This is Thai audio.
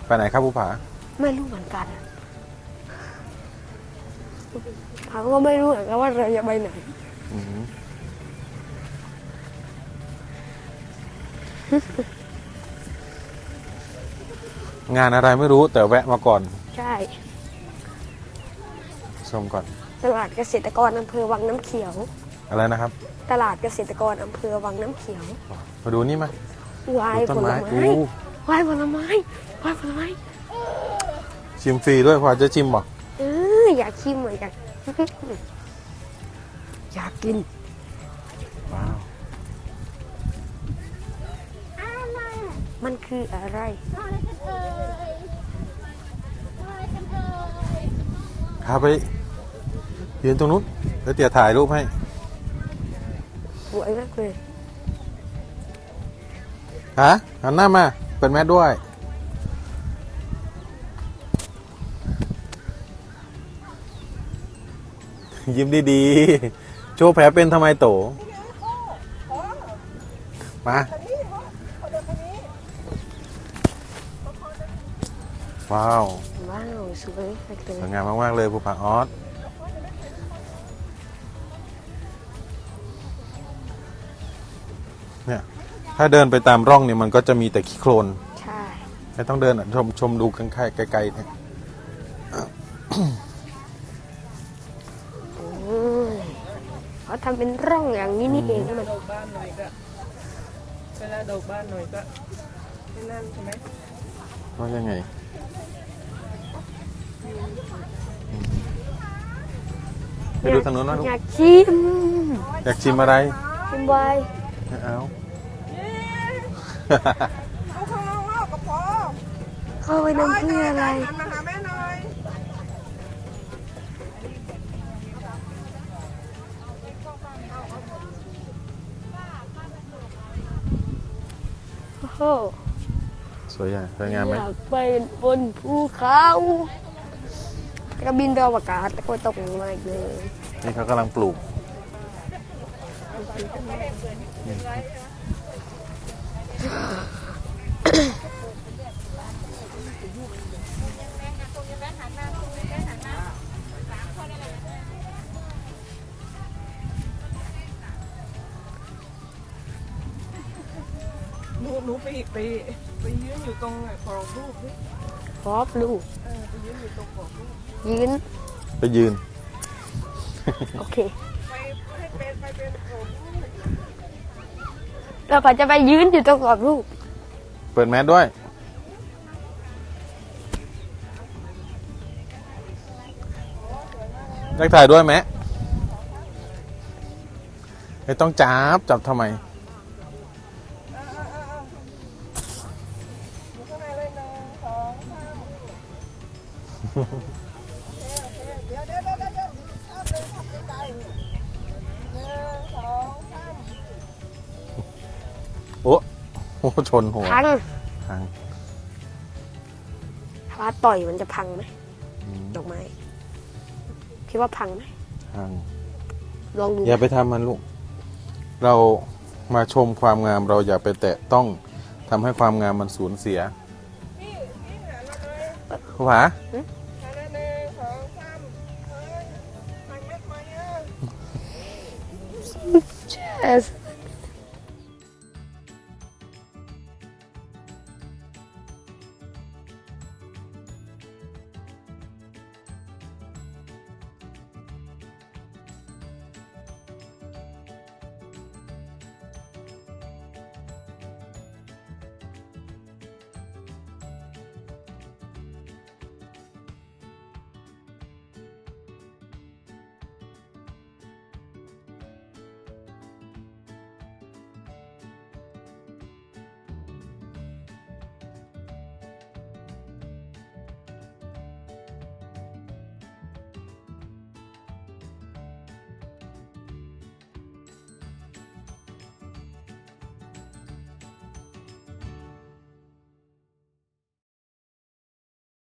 ไปไหนครับภูผาไม่รู้เหมือนกันเขาก็ไม่รู้เหมือนกันว่าเราจะไปไหนงานอะไรไม่รู้แต่แวะมาก่อนใช่ชมก่อนตลาดเกษตรกรอำเภอวังน้ำเขียวอะไรนะครับตลาดเกษตรกรอำเภอวังน้ำเขียวมาดูนี่มาวายผลไม้วายผลไม้วายผลไม้ชิมฟรีด้วยพอจะชิมบอกอยากชิมเหมือนกันอยากกินว้าวมันคืออะไรพาไปยืนตรงนู้นแล้วเตี๋ยถ่ายรูปให้สวยมากเลยฮะหันหน้ามาเปิดแมสด้วยยิ้มดีๆโชว์แผลเป็นทำไมโตมาว้าวสวยสวยงามมากๆเลยภูผาออสเนี่ยถ้าเดินไปตามร่องเนี่ยมันก็จะมีแต่ขี้โคลนใช่ไม่ต้องเดินชมดูกันไกลๆเนี่ยเขาทำเป็นร่องอย่างนี้นี่เองมันดอกบ้านหน่อยก็เวลาดอกบ้านหน่อยก็ไม่นั่นใช่ไหมว่ายังไงไปดูทางโน้นนะลูกอยากชิมอยากชิมอะไรชิมไวไม่เอาเอาข้างนอกกับพ่อเข้าไปน้ำเพื่ออะไรมาหาแม่หน่อยโอ้โหสวยงามไหมอยากไปบนภูเขากระบินดาวอากาศตะโกนตกลงมาอีกเลยนี่เขากำลังปลูกหนูไปยืนอยู่ตรงกรอบรูปนี่พอบลูกไปยืนอยู่ตรงกรอบรูปไปยืนโอเคไปเป็นกรอบรูปเราก็จะไปยืนอยู่ตรงกรอบรูปเปิดแมสด้วยอยากถ่ายด้วยไหมไม่ต้องจับทำไมโอ้ชนหัวพังถ้าต่อยมันจะพังไหมดอกไม้คิดว่าพังไหมพังลองดูอย่าไปทำมันลูกเรามาชมความงามเราอย่าไปแตะต้องทำให้ความงามมันสูญเสียภูผา